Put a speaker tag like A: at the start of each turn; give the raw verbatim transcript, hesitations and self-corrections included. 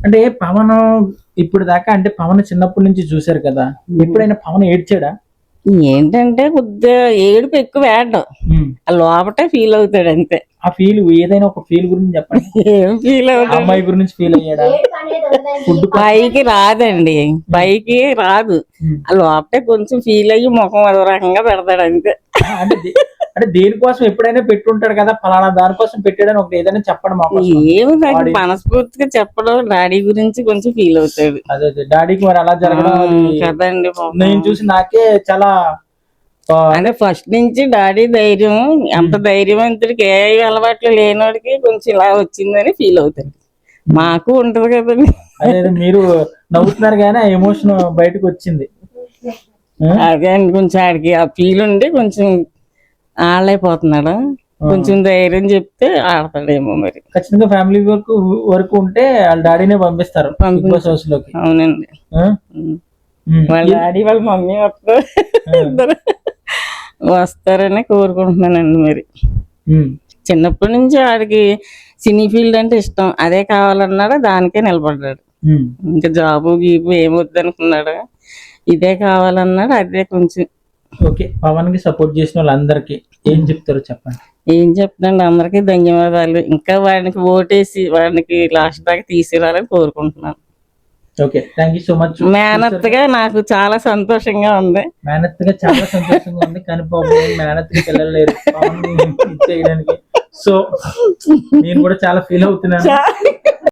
A: అంటే పవన్ ఇప్పుడు దాకా అంటే పవన్ చిన్నప్పటి నుంచి చూశారు కదా, ఎప్పుడైనా పవన్ ఏడ్చాడా?
B: ఏంటంటే కొద్దిగా ఏడుపు ఎక్కువ వేయడం,
A: ఉమ్.
B: ఆ లోపటే ఫీల్ అవుతాడు అంతే.
A: ఆ ఫీల్ ఏదైనా ఒక ఫీల్ గురించి చెప్పండి.
B: ఏం ఫీల్
A: ఆ
B: అవుతాడు?
A: అమ్మాయి గురించి ఫీల్ అయ్యాడా? ఫుడ్
B: పైకి రాదండి, పైకి రాదు, ఆ లోపటే కొంచెం ఫీల్ అయ్యి ముఖం అదో రకంగా పెడతాడు అంతే.
A: అంటే దే- అంటే దేనికోసం ఎప్పుడైనా పెట్టుంటాడు కదా, ఫలానా దానికోసం పెట్టాడని ఒకటి ఏదైనా చెప్పండి మా కోసం.
B: ఏమి నాకు
A: వాడి-
B: మనస్ఫూర్తిగా చెప్పడం, డాడీ గురించి కొంచెం ఫీల్ అవుతాడు.
A: అదే అదే డాడీకి మరి అలా జరగడం అది
B: కదండి పాపం.
A: నేను చూసి నాకే చాలా ఆ,
B: అంటే ఫస్ట్ నుంచి డాడీ ధైర్యం, అంత ధైర్యవంతుడికి ఏ అలవాట్లు లేనోడికి కొంచెం ఇలా వచ్చిందని ఫీల్ అవుతాడు. మాకు ఉంటది కదండి.
A: అదే అదే మీరు నవ్వుతున్నారు కానీ ఆ ఎమోషన్ బయటకు వచ్చింది. ఆ?
B: అదే అండి, కొంచెం ఆడికి ఆ ఫీల్ ఉండి కొంచెం ఆడలేకపోతున్నాడు. కొంచెం ధైర్యం చెప్తే ఆడతాడేమో మరి.
A: ఖచ్చితంగా ఫ్యామిలీ వరకు వరకు ఉంటే వాళ్ళ డాడీనే పంపిస్తారు బిగ్ బాస్ హౌస్ లోకి.
B: అవునండి,
A: ఆ? ఉమ్.
B: వాళ్ళ డాడీ వాళ్ళ మమ్మీ వస్తారు, ఇద్దరు వస్తారని కోరుకుంటున్నానండి. మరి
A: ఉమ్.
B: చిన్నప్పటి నుంచి ఆడికి సినీ ఫీల్డ్ అంటే ఇష్టం, అదే కావాలన్నాడు, దానికే నిలబడ్డాడు.
A: ఉమ్.
B: ఇంకా జాబు గీబు ఏమొద్దు అనుకున్నాడు, ఇదే కావాలన్నాడు, అదే కొంచెం.
A: ఓకే, పవన్ కి సపోర్ట్ చేసిన వాళ్ళందరికీ ఏం చెప్తారో చెప్పండి.
B: ఏం చెప్తాండి, అందరికీ ధన్యవాదాలు. ఇంకా వాడికి ఓటేసి వాడికి లాస్ట్ దాకా తీసుకురావాలని కోరుకుంటున్నాను.
A: Okay, thank you so much.
B: మేనత్తగా నాకు చాలా సంతోషంగా ఉంది.
A: మేనత్గా చాలా సంతోషంగా ఉంది, కానీ పాపం మేనత్కి పిల్లలు లేరు పవన్ ని చేయడానికి. సో నేను కూడా చాలా ఫీల్ అవుతున్నాను.